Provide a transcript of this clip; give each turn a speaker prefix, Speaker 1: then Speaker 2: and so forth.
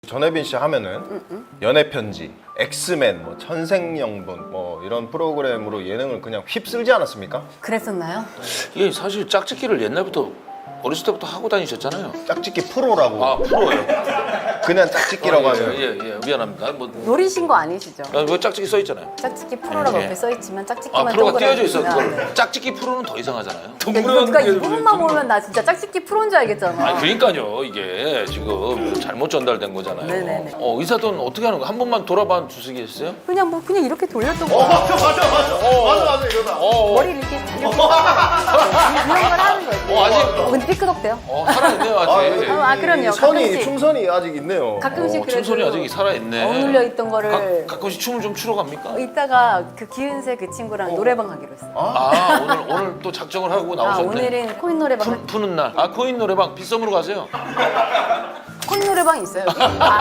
Speaker 1: 전혜빈 씨 하면은 연애 편지, 엑스맨, 뭐 천생연분 뭐 이런 프로그램으로 예능을 그냥 휩쓸지 않았습니까?
Speaker 2: 그랬었나요?
Speaker 3: 이게 사실 짝짓기를 옛날부터 어렸을 때부터 하고 다니셨잖아요.
Speaker 1: 짝짓기 프로라고.
Speaker 3: 아 프로예요.
Speaker 1: 그냥 짝짓기라고 하면.
Speaker 3: 예예 미안합니다. 뭐
Speaker 2: 노리신 거 아니시죠?
Speaker 3: 뭐 짝짓기 써 있잖아요.
Speaker 2: 짝짓기 프로라고
Speaker 3: 네.
Speaker 2: 옆에 써있지만
Speaker 3: 아
Speaker 2: 짝짓기만
Speaker 3: 프로가
Speaker 2: 동그랗게
Speaker 3: 띄어져 있어.
Speaker 2: 있으면 네.
Speaker 3: 짝짓기 프로는 더 이상하잖아요.
Speaker 2: 이거 누가 이 부분만 보면 나 진짜 짝짓기 프로인 줄 알겠잖아.
Speaker 3: 아니 그러니까요 이게 지금 잘못 전달된 거잖아요.
Speaker 2: 네네네.
Speaker 3: 의사돈 어떻게 하는 거? 한 번만 돌아봐 주시겠어요?
Speaker 2: 그냥 이렇게 돌렸던 거.
Speaker 1: 맞아 이거다.
Speaker 2: 머리를 이렇게 이런 걸 하는 거예요.
Speaker 3: 아직
Speaker 2: 근데 삐끄덕대요.
Speaker 3: 살아있네요 아직.
Speaker 2: 아 그럼요.
Speaker 1: 선이
Speaker 2: 가끔씩
Speaker 1: 충선이 아직 있네요.
Speaker 2: 가끔씩 그래도
Speaker 3: 춤소리 아직 살아있네.
Speaker 2: 어눌려 있던 거를
Speaker 3: 가끔씩 춤을 좀 추러 갑니까?
Speaker 2: 이따가 그 기은세 그 친구랑 노래방 가기로 했어요.
Speaker 3: 아 오늘 또 작정을 하고
Speaker 2: 아
Speaker 3: 나오셨네.
Speaker 2: 오늘은 코인 노래방
Speaker 3: 푸는 날. 아 코인 노래방 빗썸으로 가세요.
Speaker 2: 코인 노래방 있어요. 여기.